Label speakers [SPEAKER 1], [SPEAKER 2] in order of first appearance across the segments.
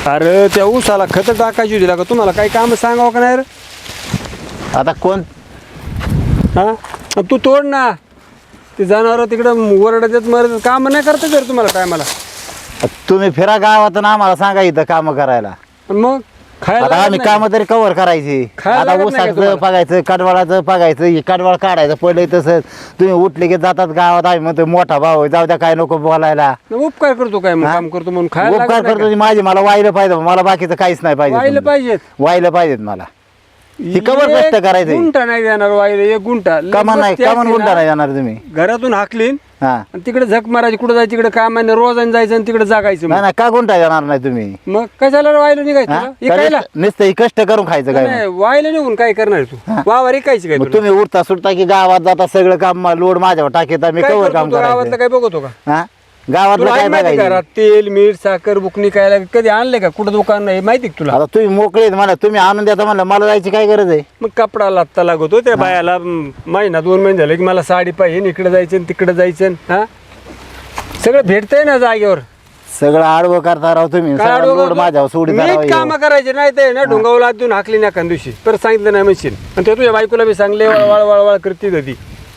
[SPEAKER 1] अरे त्या ऊसाला खत टाकायची होती का तुम्हाला काही काम सांगावं का नाही रे?
[SPEAKER 2] आता कोण
[SPEAKER 1] हा तू तोड ना ते जनावर तिकडं ओरडत मरत काम नाही करता जर तुम्हाला टायमाला.
[SPEAKER 2] तुम्ही फिरा गावात ना आम्हाला सांगा इथं काम करायला.
[SPEAKER 1] मग खायला
[SPEAKER 2] आता आम्ही
[SPEAKER 1] लागत
[SPEAKER 2] काम
[SPEAKER 1] नाही
[SPEAKER 2] तरी कव्हर करायची.
[SPEAKER 1] खायला
[SPEAKER 2] आता
[SPEAKER 1] लागत नाही का
[SPEAKER 2] ऊसाचं
[SPEAKER 1] तुम्हाला?
[SPEAKER 2] बघायचं कडवाळाचं बघायचं हे कडवाळ काढायचं पडलंय तसंच. तुम्ही उठले की जातात गावात आम्ही म्हणतो मोठा भाऊ आहे, जाऊ द्या काय नको बोलायला.
[SPEAKER 1] का? उपकार करतो काय मग काम करतो म्हणून खायला
[SPEAKER 2] उपकार
[SPEAKER 1] लागत नाही
[SPEAKER 2] करतो माझी मला वाहिलं पाहिजे मला बाकीचं काहीच नाही
[SPEAKER 1] का? वाहिलं
[SPEAKER 2] पाहिजे.
[SPEAKER 1] पाहिजेत.
[SPEAKER 2] वाहिलं पाहिजेत मला. ही कवर
[SPEAKER 1] एक
[SPEAKER 2] कष्ट करायचंय.
[SPEAKER 1] गुंठा नाही देणार वाहिलं एक गुंठा
[SPEAKER 2] कमान नाही
[SPEAKER 1] लगेच ते
[SPEAKER 2] कमान
[SPEAKER 1] असली
[SPEAKER 2] गुंठा
[SPEAKER 1] ना,
[SPEAKER 2] नाही जाणार तुम्ही.
[SPEAKER 1] घरातून हाकलीन
[SPEAKER 2] हा
[SPEAKER 1] आणि तिकडे झक मारायची कुठं जायचं तिकडे कामाने रोजाने जायचं आणि तिकडे जागायचं
[SPEAKER 2] नाही
[SPEAKER 1] मग.
[SPEAKER 2] नाही का गुंठा जाणार नाही तुम्ही.
[SPEAKER 1] मग कशाला वाहिलं निघायचं
[SPEAKER 2] हा?
[SPEAKER 1] तुला? इकायला
[SPEAKER 2] नुसतं ही कष्ट करून खायचं काय
[SPEAKER 1] नाही वाहिलं निघून काय करणार तू
[SPEAKER 2] हा.
[SPEAKER 1] वावर इकायची काय
[SPEAKER 2] मग
[SPEAKER 1] तुला?
[SPEAKER 2] तुम्ही उठता सुटता की गावात जाता सगळं काम लोड माझ्यावर टाकीत मी
[SPEAKER 1] काय
[SPEAKER 2] कवर
[SPEAKER 1] करतो
[SPEAKER 2] काम
[SPEAKER 1] तू? गावातलं
[SPEAKER 2] करायचं.
[SPEAKER 1] काय बघतो का?
[SPEAKER 2] हा गावातलं
[SPEAKER 1] तुला
[SPEAKER 2] काय
[SPEAKER 1] आहे माहिती
[SPEAKER 2] बघायचं.
[SPEAKER 1] घरात तेल मीठ साखर बुकणी काय लागेल कधी आणले का कुठं दुकान नाही माहिती का तुला?
[SPEAKER 2] आता तुम्ही मोकळे म्हणा तुम्ही आणून देता म्हणलं मला जायची काय गरज आहे.
[SPEAKER 1] मग कपडा लागता लागतो त्या बायाला महिना 2 महिने झाले की मला साडी पाहिजे इकडे जायचं तिकडे जायचं हा सगळं भेटतंय ना जागेवर.
[SPEAKER 2] सगळं आडवं करता राव तुम्ही
[SPEAKER 1] काय
[SPEAKER 2] सगळं लोड माझ्यावर सोडी
[SPEAKER 1] काम करायचे नाही ते ना ढोंगावला देऊन हाकली ना एखाद दिवशी परत सांगितलं नाही म्हणशील आणि ते तुझ्या बायकोला बी सांगले वळवळ वळवळ करते होती.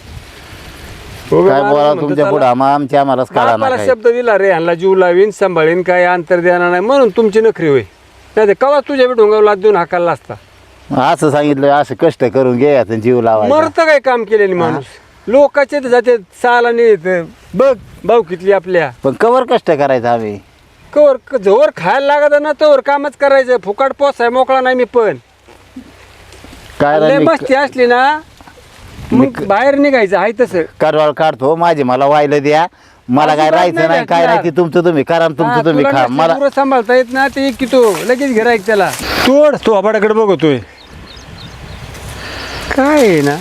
[SPEAKER 2] काय बोला तुमच्या पुढे आमच्या आम्हालाच कळा
[SPEAKER 1] मला शब्द दिला रे ह्यांना जीव लावीन सांभाळीन काय अंतर देणार नाही म्हणून तुमची नखरी होय नाही कवा तुझ्या बी ढोंगावला देऊन हाकायला असता.
[SPEAKER 2] असं सांगितलं असं कष्ट करून घ्यायचं जीव लावायचा.
[SPEAKER 1] मरत काय काम केलेली माणूस लोकांचे तर जाते साला नाही बघ भाऊ कितली आपल्या
[SPEAKER 2] पण कवर कष्ट करायचं आम्ही.
[SPEAKER 1] कवर जोर खायला लागत ना तोवर कामच करायचं फुकाट पोसाय मोकळा नाही मी पण
[SPEAKER 2] काय
[SPEAKER 1] लय
[SPEAKER 2] नाही,
[SPEAKER 1] मस्ती असली ना मग बाहेर निघायचं आहे तसं.
[SPEAKER 2] कडवाळ काढतो माझी मला वाहिलं द्या मला काय
[SPEAKER 1] अजिबात
[SPEAKER 2] राहायचं
[SPEAKER 1] नाही
[SPEAKER 2] नाही काय नाही ते तुमचं तुम्ही करा आणि
[SPEAKER 1] हा,
[SPEAKER 2] तुमचं तुम्ही
[SPEAKER 1] तुला
[SPEAKER 2] खा.
[SPEAKER 1] नसेल
[SPEAKER 2] मला
[SPEAKER 1] पुरं सांभाळता येत ना ते की तो लगेच गिराईक त्याला तोड तो आबाडाकडे बघतोय काय आहे ना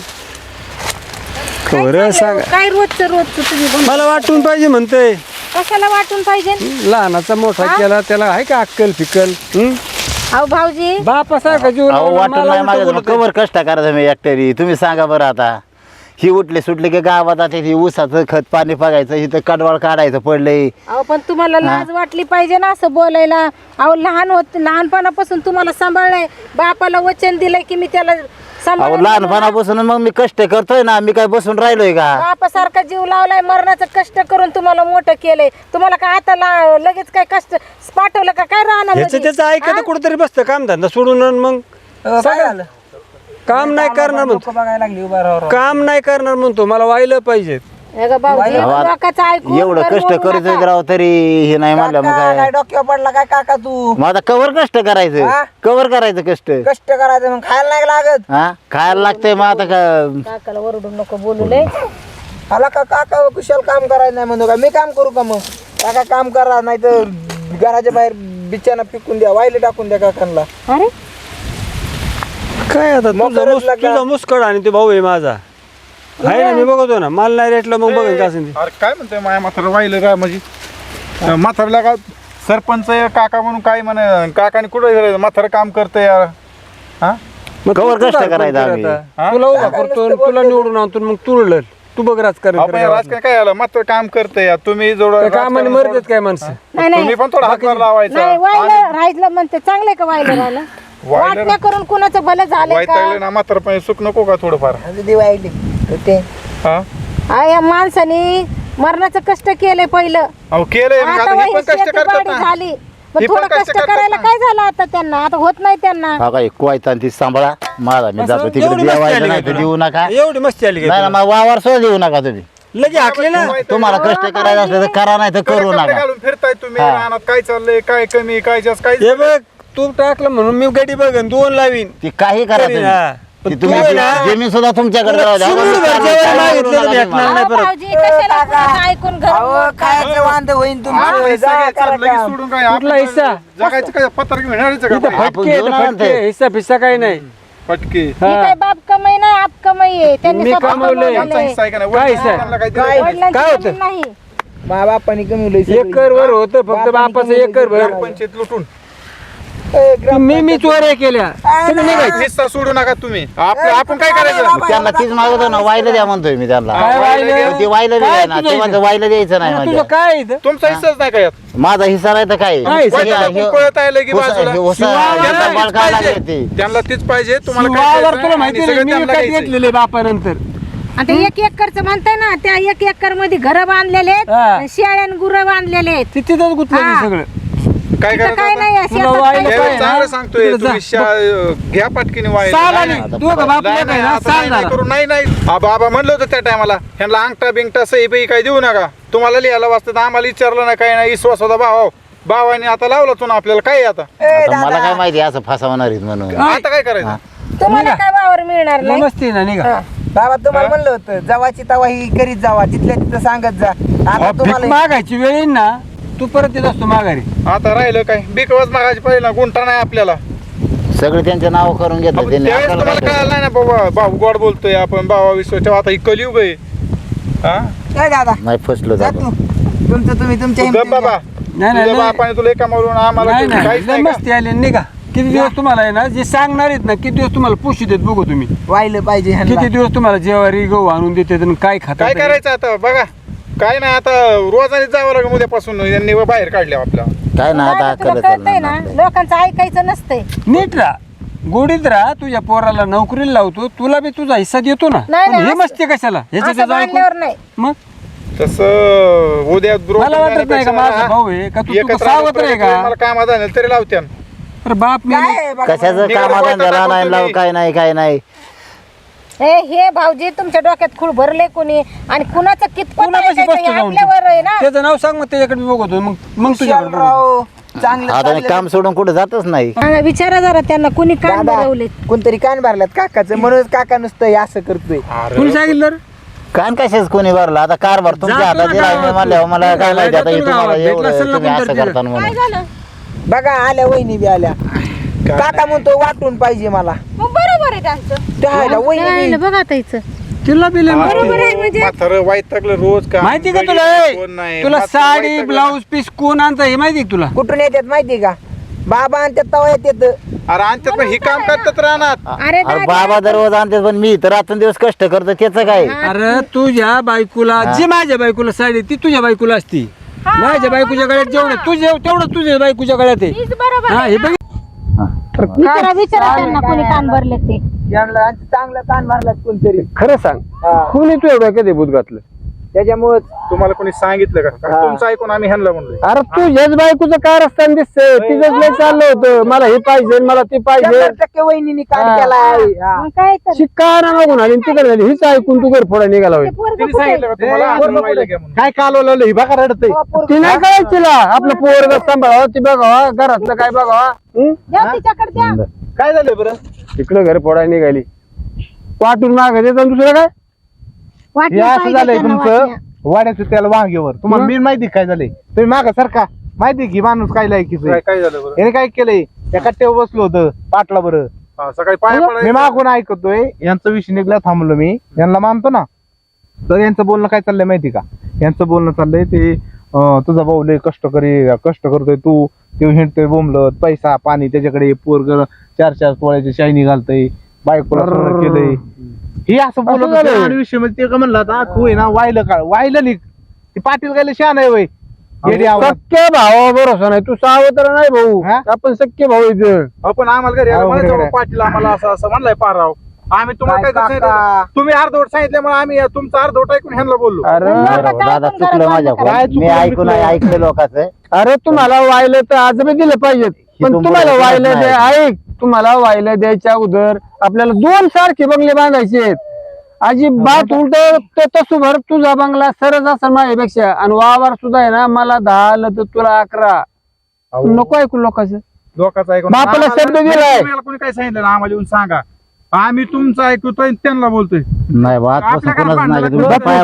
[SPEAKER 1] खरं सांग
[SPEAKER 3] काय रोजचं तुम्ही बोल-
[SPEAKER 1] मला वाटून पाहिजे म्हणतोय
[SPEAKER 3] कशाला वाटून पाहिजे?
[SPEAKER 1] लहानाचा मोठा केला त्याला आहे का अक्कल फिकल
[SPEAKER 3] अहो भाऊजी
[SPEAKER 1] बापासारखा जीव
[SPEAKER 2] अहो
[SPEAKER 1] लावला,
[SPEAKER 2] वाटत
[SPEAKER 1] मला
[SPEAKER 2] नाही
[SPEAKER 1] उलटं
[SPEAKER 2] माझ्या
[SPEAKER 1] बोलतोय.
[SPEAKER 2] कवर कष्ट करायचं मी एकट्याने. तुम्ही सांगा बरं आता ही उठले सुटले की गावात जाते ही ऊसाचं खत पाणी बघायचं इथं कडवाळ काढायचं पडलंय.
[SPEAKER 3] अहो पण तुम्हाला लाज वाटली पाहिजे ना असं बोलायला. अहो लहानपणापासून तुम्हाला सांभाळलंय बापाला वचन दिलंय की मी त्याला
[SPEAKER 2] अहो
[SPEAKER 3] सांभाळून
[SPEAKER 2] लहानपणापासून मग मी कष्ट करतोय ना मी काय बसून राहिलोय का.
[SPEAKER 3] बापासारखा जीव लावलाय मरणाचं कष्ट करून तुम्हाला मोठं केलंय. तुम्हाला काय आता लगेच काय कष्ट पाठवलं का काय
[SPEAKER 1] ह्याचं त्याचं ऐकत कुठेतरी बसतं काम धंदा सोडून आणि मग सगळं काम नाही करणार म्हणतो काम नाही करणार म्हणतो मला व्हायला पाहिजे.
[SPEAKER 3] लोकांचं ऐकून
[SPEAKER 2] एवढं
[SPEAKER 3] गर्व
[SPEAKER 2] कष्ट
[SPEAKER 3] होऊ
[SPEAKER 2] करतोय
[SPEAKER 3] नका.
[SPEAKER 2] राव तरी हे नाही म्हणलं मग
[SPEAKER 4] काय
[SPEAKER 2] काय
[SPEAKER 4] डोक्यावर पडला काय काका तू
[SPEAKER 2] माझा कवर कष्ट करायचं
[SPEAKER 4] हा?
[SPEAKER 2] कवर करायचं कष्ट.
[SPEAKER 4] कष्ट करायचं मग खायला नाही लागत.
[SPEAKER 2] हा खायला लागतंय मग आता का
[SPEAKER 3] काकाला ओरडून नको बोलू लय.
[SPEAKER 4] आला का काका कुशल काम करायचं नाही म्हणतो का मी काम करू का मग काका काम करा नाही तर घराच्या बाहेर बिचाना पिकून द्या वायले टाकून द्या काकांना.
[SPEAKER 3] अरे
[SPEAKER 1] काय आता
[SPEAKER 4] मकरच लागा.
[SPEAKER 1] तुझा मुस्कड आणि ते भाऊ आहे माझा आहे ना मी बघतो ना मला नाही रेटलं मग बघेन का असेल ते.
[SPEAKER 5] अरे काय म्हणतोय माया म्हातारा वाहिलं काय म्हणजे म्हातारला का सरपंच आहे, काका म्हणून काय म्हणे काकाने कुठं म्हातारं काम करतंय यार. हा
[SPEAKER 1] मग तू
[SPEAKER 2] कवर कष्ट
[SPEAKER 1] कुठं
[SPEAKER 2] करायचं
[SPEAKER 1] अडकून
[SPEAKER 2] आम्ही.
[SPEAKER 1] फिरत आता? तुला उभा करतो तुला निवडून आणतो मग तू लढ तू बघ राजकारण
[SPEAKER 5] आपण
[SPEAKER 1] करायला.
[SPEAKER 5] राजकारण काय आलं म्हातारं काम करतंय यार. तुम्ही जोड
[SPEAKER 1] काय कामाने मरतात काय माणसं
[SPEAKER 3] नाही नाही
[SPEAKER 5] तुम्ही पण थोडा हातभार लावायचा.
[SPEAKER 3] नाही वायलं राहिलं म्हणते चांगले का वायलं राहिलं वाटण्या करून कुणाचं भलं झालंय
[SPEAKER 5] वाईटागले
[SPEAKER 3] का?
[SPEAKER 5] ना म्हातारं पण सुख नको का थोडंफार.
[SPEAKER 4] वायले ते
[SPEAKER 5] हा
[SPEAKER 3] या माणसाने मरणाचं कष्ट केलंय पहिलं
[SPEAKER 5] अहो केलंय मग
[SPEAKER 3] आता
[SPEAKER 5] आता ही
[SPEAKER 3] वय
[SPEAKER 5] पण कष्ट करतात
[SPEAKER 3] शेतीवाडी
[SPEAKER 5] ना.
[SPEAKER 3] झाली मग
[SPEAKER 5] ही पण
[SPEAKER 3] थोडं
[SPEAKER 5] कष्ट
[SPEAKER 3] कष्ट
[SPEAKER 5] करतात
[SPEAKER 3] करायला
[SPEAKER 5] ना.
[SPEAKER 3] काय झालं आता त्यांना आता होत नाही त्यांना.
[SPEAKER 2] हा काय कोयता ती सांभाळा माझा मी जातो तिकडे
[SPEAKER 1] एवढी मस्ती
[SPEAKER 2] जेवायचं
[SPEAKER 1] आली
[SPEAKER 2] नाही
[SPEAKER 1] का
[SPEAKER 2] तर
[SPEAKER 1] तुला?
[SPEAKER 2] देऊ नका.
[SPEAKER 1] एवढी मस्ती आली
[SPEAKER 2] नाही
[SPEAKER 1] का
[SPEAKER 2] ना
[SPEAKER 1] तुला?
[SPEAKER 2] मग वावर सुद्धा देऊ नका तुम्ही.
[SPEAKER 1] लगे हाकले ना
[SPEAKER 2] तुम्हाला कष्ट करायचं असलं तर करा नाही तर करू
[SPEAKER 5] कपडे
[SPEAKER 2] नका.
[SPEAKER 5] घालून फिरताय तुम्ही
[SPEAKER 2] हा.
[SPEAKER 5] रानात काय चाललंय काय कमी काय जास्त काय
[SPEAKER 1] हे बघ तू टाकलं म्हणून मी गडी बघन 2 लावीन
[SPEAKER 2] ती काही करा
[SPEAKER 1] करीन, हा. पण
[SPEAKER 2] तुम्ही. ती
[SPEAKER 1] तू आहे ना,
[SPEAKER 2] तुम्ही जमीन सुद्धा तुमच्याकडे राहू द्या.
[SPEAKER 1] चिमूट भर जेवण मागितलं तर भेटणार नाही
[SPEAKER 3] अहो,
[SPEAKER 1] परत.
[SPEAKER 3] भाऊजी, कशाला कुणाचं ऐकून घर
[SPEAKER 4] अहो खायचं वांद होईन तुमचं
[SPEAKER 5] लगेच
[SPEAKER 4] जा करा काम.
[SPEAKER 5] सोडून काय
[SPEAKER 1] कुठला हिस्सा?
[SPEAKER 5] जगायचं काय पत्र घेऊन येणारच का
[SPEAKER 1] इथं
[SPEAKER 5] आपण?
[SPEAKER 1] फटके
[SPEAKER 2] घेऊन
[SPEAKER 1] इथं
[SPEAKER 2] आणते.
[SPEAKER 1] फटके हिस्सा फिस्सा काही नाही
[SPEAKER 5] पटके
[SPEAKER 3] ही काय बाप कमाई नाही आप कमाई आहे त्यांनी
[SPEAKER 1] मी
[SPEAKER 3] स्वतः
[SPEAKER 1] कमवलंय.
[SPEAKER 5] यांचा
[SPEAKER 3] कमवलेलं
[SPEAKER 5] हिस्सा आहे का नाही?
[SPEAKER 1] काय
[SPEAKER 5] वडिलांना
[SPEAKER 1] हिस्सा?
[SPEAKER 5] त्यांना काही दिलं
[SPEAKER 4] काय?
[SPEAKER 5] नाही.
[SPEAKER 3] वडिलांची
[SPEAKER 1] काय होतं?
[SPEAKER 3] जमीन नाही
[SPEAKER 4] मा बापाने कमी
[SPEAKER 1] एकर वर होतं फक्त बापाचं एकर भर
[SPEAKER 5] पंचायत लुटून
[SPEAKER 1] मी चोऱ्या केल्या तुम्ही निघायचं.
[SPEAKER 5] हिस्सा सोडू नका तुम्ही आपण काय करायचं
[SPEAKER 2] त्यांना तीच मागवतो ना वायला द्या म्हणतोय मी त्यांना
[SPEAKER 1] काय वाहिलं?
[SPEAKER 2] ते वायला
[SPEAKER 1] काय
[SPEAKER 2] द्या ना
[SPEAKER 1] तुझं
[SPEAKER 2] ते म्हणतं
[SPEAKER 1] इथं?
[SPEAKER 2] वायला द्यायचं नाही
[SPEAKER 1] तुझं
[SPEAKER 2] म्हणजे
[SPEAKER 1] काय इथं?
[SPEAKER 5] तुमचा हिस्साच नाही का यात
[SPEAKER 2] माझा हिस्सा नाही तर काय
[SPEAKER 1] नाही,
[SPEAKER 2] सगळं
[SPEAKER 1] सगळं
[SPEAKER 2] हे-
[SPEAKER 5] कळत आहे की बाजूला.
[SPEAKER 2] हे उसा-
[SPEAKER 1] शिवाय
[SPEAKER 2] यांचा
[SPEAKER 1] नाही,
[SPEAKER 2] बाळ काय लागले ते
[SPEAKER 5] त्यांना तीच पाहिजे तुम्हाला काय
[SPEAKER 1] शिवावर
[SPEAKER 5] द्यायचं
[SPEAKER 1] तुला
[SPEAKER 5] आणि
[SPEAKER 1] माहिती
[SPEAKER 5] सगळं
[SPEAKER 1] नाही मी
[SPEAKER 5] त्यांना
[SPEAKER 1] विकत
[SPEAKER 5] घ्यायचंय.
[SPEAKER 1] घेतलेले बापानंतर
[SPEAKER 3] आता 1 एकरचं म्हणताय ना, त्या 1 एकर मध्ये घर बांधलेले
[SPEAKER 1] हा.
[SPEAKER 3] आहेत, शेळ्या गुरं बांधलेले आहेत.
[SPEAKER 1] तिथेच गुतलं
[SPEAKER 3] हा.
[SPEAKER 1] सगळं.
[SPEAKER 5] काय
[SPEAKER 3] तिथं काय
[SPEAKER 5] करायचं
[SPEAKER 3] नाही आहे,
[SPEAKER 1] तुला
[SPEAKER 3] शेतात
[SPEAKER 1] वाहिलं
[SPEAKER 3] काही
[SPEAKER 1] काय?
[SPEAKER 3] नाही.
[SPEAKER 5] चांगलं सांगतोय
[SPEAKER 1] तिकडे जा.
[SPEAKER 5] तुम्ही घ्या पटकीने
[SPEAKER 1] साल आली
[SPEAKER 2] आता
[SPEAKER 1] दोघं बाप
[SPEAKER 5] नाही,
[SPEAKER 1] लेक आहे
[SPEAKER 5] नाही,
[SPEAKER 1] ना,
[SPEAKER 5] आता
[SPEAKER 1] साल
[SPEAKER 5] नाही
[SPEAKER 1] झाला.
[SPEAKER 5] करू नाही बाबा म्हणलं होतं त्या टायमाला ह्यांना अंगठा बिंगटा सही बिही काही देऊ नका तुम्हाला लिहायला वाचतं आम्हाला विचारलं नाही काही नाही विश्वास होता भावाने आता लावला तू ना आपल्याला काय आता
[SPEAKER 2] आता मला काय माहिती असं फसवणार आहेत म्हणून
[SPEAKER 5] आता काय करायचं
[SPEAKER 3] तुम्हाला काय वावर मिळणार नाही.
[SPEAKER 1] नमस्ते ना निघा
[SPEAKER 4] बाबा तुम्हाला म्हणलं होतं जवाची तवा ही करीत जावा तिथल्या तिथं सांगत जा आता
[SPEAKER 1] भीक
[SPEAKER 4] तुम्हाला
[SPEAKER 1] मागायची वेळ येईन ना तू परत येत असतो माघारी.
[SPEAKER 5] आता राहिलं काय बिकवाज मागायची पाहिजे ना गुंठा नाही आपल्याला
[SPEAKER 2] सगळे त्यांचे नाव करून घेतलं त्यांनी
[SPEAKER 5] त्यावेळेस
[SPEAKER 2] आपल्याला
[SPEAKER 5] तुम्हाला
[SPEAKER 2] काय
[SPEAKER 5] कळालं नाही ना बाबा भाऊ गोड बोलतोय आपण भावा विश्वास आता ही कलियुग आहे हा
[SPEAKER 4] काय दादा
[SPEAKER 2] नाही फसलो
[SPEAKER 4] जा
[SPEAKER 2] जातो
[SPEAKER 4] तू तुमचं तुम्ही तुमच्या
[SPEAKER 5] तू गप
[SPEAKER 4] हिमतीने
[SPEAKER 5] बाबा
[SPEAKER 1] नाही, नाही,
[SPEAKER 5] तुझ्या
[SPEAKER 1] नाही.
[SPEAKER 5] बापाने तुला एका मारून आम्हाला
[SPEAKER 1] नाही
[SPEAKER 5] काहीच
[SPEAKER 1] नाही
[SPEAKER 5] नाही का?
[SPEAKER 1] मस्ती आली निघा. किती दिवस तुम्हाला आहे ना जे सांगणार आहेत ना किती दिवस तुम्हाला पोषी देत बघू तुम्ही
[SPEAKER 4] वाहिलं पाहिजे ह्यांना.
[SPEAKER 1] किती दिवस तुम्हाला जेवारी गहू आणून देते आणि काय खाता
[SPEAKER 5] काय करायचं आता बघा काय नाही आता रोजाने जावं लागेल उद्यापासून यांनी बाहेर काढल्या आपल्याला
[SPEAKER 2] काय ना आता
[SPEAKER 3] दादा, तुला
[SPEAKER 2] अक्कल
[SPEAKER 3] कळतंय ना, लोकांचं ऐकायचं नसतंय.
[SPEAKER 1] नीट राहा गोडीत राहा तुझ्या पोराला नोकरीला लावतो तुला बी तुझा हिस्सा देतो ना
[SPEAKER 3] नाही,
[SPEAKER 1] पण हे
[SPEAKER 3] असं-
[SPEAKER 1] मस्ती कशाला ह्याच्या
[SPEAKER 3] असं
[SPEAKER 1] त्याचं
[SPEAKER 3] मानल्यावर
[SPEAKER 1] ऐकून
[SPEAKER 3] नाही.
[SPEAKER 1] मग
[SPEAKER 5] तसं उद्या
[SPEAKER 1] मला वाटत नाही का माझा भाऊ आहे का तू
[SPEAKER 5] एकत्र
[SPEAKER 1] सावत्र आहे का
[SPEAKER 5] मला कामात आणलं तरी लावत्यान
[SPEAKER 1] अरे बाप मी
[SPEAKER 4] काय आहे बघा
[SPEAKER 2] कशाचं
[SPEAKER 5] निघा
[SPEAKER 2] कामाला
[SPEAKER 5] बोलता
[SPEAKER 2] झाला नाही
[SPEAKER 5] तुम्ही.
[SPEAKER 2] लाव काय नाही काय नाही
[SPEAKER 3] हे भाऊजी तुमच्या डोक्यात खूळ भरले कोणी आणि कुणाचं कितपत
[SPEAKER 1] कुणापाशी
[SPEAKER 3] ऐकायचं
[SPEAKER 1] बसतो
[SPEAKER 3] हे
[SPEAKER 1] जाऊन तू?
[SPEAKER 3] आपल्यावर आहे ना.
[SPEAKER 1] त्याचं नाव सांग मग त्याच्याकडे मी बघतो मग तुझ्याकडे बघतो.
[SPEAKER 4] राव चांगलं
[SPEAKER 2] आता मी
[SPEAKER 4] चाललंय.
[SPEAKER 2] काम सोडून कुठे जातच नाही
[SPEAKER 3] सांगा, विचारा जरा त्यांना कुणी कान
[SPEAKER 4] दादा
[SPEAKER 3] भरवले.
[SPEAKER 4] कोणतरी कान भरल्यात काकाचं म्हणून काका नुसतं हे असं करतोय
[SPEAKER 1] कुणी सांगितलं रे?
[SPEAKER 2] कान कशाच कोणी भरला आता कारभार तुमच्या
[SPEAKER 1] जातो
[SPEAKER 2] हातात
[SPEAKER 1] ना
[SPEAKER 2] दिला मी
[SPEAKER 1] गावात.
[SPEAKER 2] म्हणल्यावर मला काय माहिती आता हे
[SPEAKER 1] जातो ना
[SPEAKER 2] तुम्हाला
[SPEAKER 1] गावात. भेटलं असेल
[SPEAKER 2] एवढं
[SPEAKER 1] ना
[SPEAKER 2] तुम्ही असं
[SPEAKER 1] कोणतरी
[SPEAKER 2] करता
[SPEAKER 3] काय
[SPEAKER 2] म्हणून
[SPEAKER 3] झालं
[SPEAKER 4] बघा आल्या वहिनी बी आल्या काका म्हणतो वाटून पाहिजे मला
[SPEAKER 3] मग बरोबर आहे त्यांचं.
[SPEAKER 4] त्या वहिनी
[SPEAKER 3] राहिलं
[SPEAKER 4] बी-
[SPEAKER 3] बघा ताईचं.
[SPEAKER 1] तिला बिले
[SPEAKER 3] बरोबर आहे म्हणजे.
[SPEAKER 5] म्हातारं वाईटलं रोज काम
[SPEAKER 1] माहिती का तुला
[SPEAKER 5] कोण नाही.
[SPEAKER 1] तुला
[SPEAKER 5] म्हातारं
[SPEAKER 1] साडी
[SPEAKER 5] वैतागलं.
[SPEAKER 1] ब्लाऊज पीस कोण आणतं हे माहिती का तुला
[SPEAKER 4] कुठून येतात माहिती का बाबा आणि त्या तवा येतात
[SPEAKER 5] अरे आणतात पण ही काम करतात राहणार
[SPEAKER 3] अरे
[SPEAKER 2] अरे
[SPEAKER 3] दादा,
[SPEAKER 2] बाबा दररोज आणते पण मी तर रात्रंदिवस कष्ट करतो त्याचं काय
[SPEAKER 1] अरे तुझ्या बायकोला जी माझ्या बायकोला साडी ती तुझ्या बायकोला असती माझ्या बायकोच्या गळ्यात जेवढं तेवढं तुझ्या बायकोच्या गळ्यात आहे
[SPEAKER 3] तीच बरोबर
[SPEAKER 1] हा
[SPEAKER 3] आहे.
[SPEAKER 1] हे बघ
[SPEAKER 3] विचारा त्यांना कोणी कान भरले ते.
[SPEAKER 4] यांना चांगलं कान भरलात कोणतरी
[SPEAKER 1] खरं सांग कोणी तू एवढं कधी भूत घातलं
[SPEAKER 4] त्याच्यामुळे
[SPEAKER 5] तुम्हाला कोणी सांगितलं का
[SPEAKER 4] हा.
[SPEAKER 5] तुमचं ऐकून आम्ही ह्यांना म्हणलोय
[SPEAKER 1] अरे तुझ्याच बायकोचं कारस्थान दिसतंय तिचंच लय चाललं होतं मला हे पाहिजे मला ते पाहिजे
[SPEAKER 4] 100% वहिनीने कान
[SPEAKER 1] हा.
[SPEAKER 4] केलाय हा.
[SPEAKER 3] मग काय तर.
[SPEAKER 1] शिक्का मागून आली तिकडे झाली हीच ऐकून तू घर फोडा निघाला होईल
[SPEAKER 3] ते पोरगं
[SPEAKER 5] तिने
[SPEAKER 3] कुठे आहे?
[SPEAKER 5] सांगितलं का तुम्हाला आणून वाहिलं घ्या म्हणून?
[SPEAKER 1] काय कालवलं ही बघा रडतंय ती नाही कळायचं तिला आपलं पोरग सांभाळावं ती बघावा घरातलं काय बघावा
[SPEAKER 3] द्या तिच्याकडे द्या.
[SPEAKER 5] काय झालं बरं
[SPEAKER 1] तिकडं घर फोडायला निघाली वाटून मागायचं दुसरं काय
[SPEAKER 3] वाटलं पाहिजे त्यांना वाटण्या.
[SPEAKER 6] वाड्याचं त्याला वांग्यावर तुम्हाला मी माहिती काय झालंय तुम्ही मागा सारखा माहिती की माणूस काय लायकीच
[SPEAKER 5] काय झालं बरं
[SPEAKER 6] याने काय केलंय त्या कट्ट्यावर बसलो होतं पाटला बरं
[SPEAKER 5] हा, सकाळी पाय
[SPEAKER 6] मी
[SPEAKER 5] पडायचं.
[SPEAKER 6] मागून ऐकतोय यांचा विषय निघला थांबलो मी यांना मानतो ना तर यांचं बोलणं काय चाललंय माहिती का यांचं बोलणं चाललंय ते तुझा भाऊ लय कष्ट करतोय तू ते हिंडतोय बोंबलत पैसा पाणी त्याच्याकडे पोरग 4-4 तोळ्याची शायनी घालतय बायकोला सोनं केलंय हे असं बोलत
[SPEAKER 1] असं
[SPEAKER 6] होतं
[SPEAKER 1] झालंय?
[SPEAKER 6] आणि विषय मध्ये ते का म्हणला आता तू आहे ना वायलं निघ ते पाटील गायला शान आहे वय येडी आवाज.
[SPEAKER 1] सख्य भावा भरोसा नाही तू सावत्र नाही भाऊ
[SPEAKER 6] हा?
[SPEAKER 1] आपण सख्य भाऊ इथं
[SPEAKER 5] आपण आम्हाला घरी आलं
[SPEAKER 6] अहो,
[SPEAKER 5] म्हणायचं
[SPEAKER 6] घरी
[SPEAKER 5] बाबा, पाटील आम्हाला असं असं म्हणलंय पाराव आम्ही तुम्हाला
[SPEAKER 4] काय
[SPEAKER 5] काय
[SPEAKER 4] काका?
[SPEAKER 5] सांगितलं तुम्ही अर्धवट सांगितल्यामुळे आम्ही तुमचं अर्धवट ऐकून ह्यांना बोललो
[SPEAKER 1] अरे
[SPEAKER 2] बरोबर, दादा चुकलं माझ्याकडून
[SPEAKER 6] काय
[SPEAKER 2] मी
[SPEAKER 6] चुकलं
[SPEAKER 2] ऐकून
[SPEAKER 6] बिकलं?
[SPEAKER 2] ऐकलं लोकांचं
[SPEAKER 1] अरे तुम्हाला वायलं तर आज बी दिलं पाहिजे पण
[SPEAKER 2] तुम्हाला
[SPEAKER 1] तुम्हाला
[SPEAKER 2] दिलंच
[SPEAKER 1] वायलं
[SPEAKER 2] नाही.
[SPEAKER 1] द्या ऐक तुम्हाला वायलं द्यायच्या अगोदर आपल्याला 2 सारखे बंगले बांधायचे आहेत अजिबात उलट तसं भर तुझा बंगला सरच असेल माझ्यापेक्षा आणि वावर सुद्धा आहे ना मला 10 आलं तर तुला 11 नको ऐकू लोकांचं
[SPEAKER 5] लोकांचं ऐकून
[SPEAKER 1] बापाला
[SPEAKER 5] आम्हाला-
[SPEAKER 1] शब्द दिलाय.
[SPEAKER 5] तुम्हाला कोणी काय सांगितलं ना आम्हाला येऊन सांगा आम्ही तुमचं ऐकतोय आणि त्यांना बोलतोय
[SPEAKER 2] नाही बा आजपासून
[SPEAKER 5] आपल्या
[SPEAKER 2] कोणाच नाही
[SPEAKER 5] घरात
[SPEAKER 2] तुमच्या पाया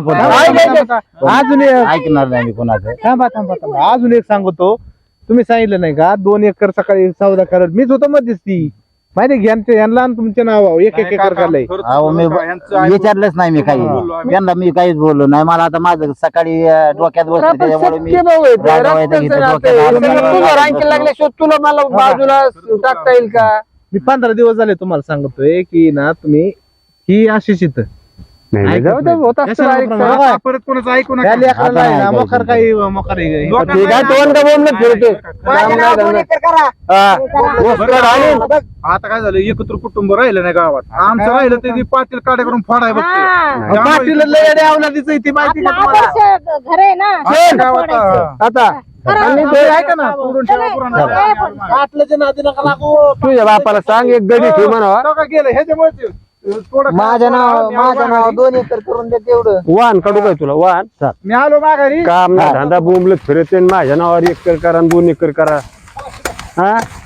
[SPEAKER 2] पडतो
[SPEAKER 6] अजून एक
[SPEAKER 2] ऐकणार नाही मी कोणाचं
[SPEAKER 6] थांबा अजून एक सांगतो तुम्ही सांगितलं नाही का 2 एकर सकाळी सौदा करत मीच होतो मध्यस्थी माहिती आहे की यांना आणि तुमच्या नाव एक एक एकर काढलंय.
[SPEAKER 2] अहो मी विचारलंच नाही मी काही त्यांना मी काहीच बोललो नाही. मला आता माझं सकाळी डोक्यात बसलं
[SPEAKER 1] आपण
[SPEAKER 2] त्याच्यामुळे मी
[SPEAKER 1] सख्खे भाऊ आहेत.
[SPEAKER 2] रागावायचं
[SPEAKER 1] रक्ताचं
[SPEAKER 2] घेतलं
[SPEAKER 1] नातं
[SPEAKER 2] डोक्यात
[SPEAKER 1] आहे.
[SPEAKER 2] आलं.
[SPEAKER 1] तुझं ranking लागल्याशिवाय तुला मला बाजूला टाकता येईल का?
[SPEAKER 6] मी 15 दिवस झाले तुम्हाला सांगतोय की ना तुम्ही ही अशीच इथं
[SPEAKER 1] नाही जाऊ दे, होत असतं
[SPEAKER 6] कशाला
[SPEAKER 1] बारीक
[SPEAKER 6] प्रमाण?
[SPEAKER 1] सारीक.
[SPEAKER 5] आता परत कोणाचं ऐकू
[SPEAKER 6] त्या
[SPEAKER 5] नका
[SPEAKER 6] लेकराला आहे ना
[SPEAKER 2] आता
[SPEAKER 6] मोकार काही मोकार आहे.
[SPEAKER 1] ठीक आहे, दोन का बोंबलत फिरतोय.
[SPEAKER 4] माझ्या नाव 2 एकर करा
[SPEAKER 1] हा. वस्त्र घालून.
[SPEAKER 5] आता काय झालं एकत्र कुटुंब राहिलं नाही गावात आमचं राहिलं ते पाटील काढे करून फोडाय बघतो
[SPEAKER 3] हा.
[SPEAKER 6] पाटील लय येडे अवलादीचं आहे ते माहिती
[SPEAKER 3] आपलं
[SPEAKER 6] का तुम्हाला?
[SPEAKER 3] आदर्श घर आहे ना
[SPEAKER 5] आमच्या गावात
[SPEAKER 1] आता आणि
[SPEAKER 6] ते ऐका ना सोडून ठेवा पुराण. पाटलाच्या नादी नका लागू.
[SPEAKER 1] तुझ्या बापाला सांग एक गडी ठेव म्हणावा.
[SPEAKER 5] नका गेलं ह्याच्यामुळे
[SPEAKER 4] माझ्या नाव 2 एकर करून दे तेवढं.
[SPEAKER 1] वाहन काढू काय तुला वाहन
[SPEAKER 5] मी आलो माघारी
[SPEAKER 1] काम ना धंदा बोंबलत फिरते माझ्या नावावर 1 एकर करा आणि 2 एकर करा. हा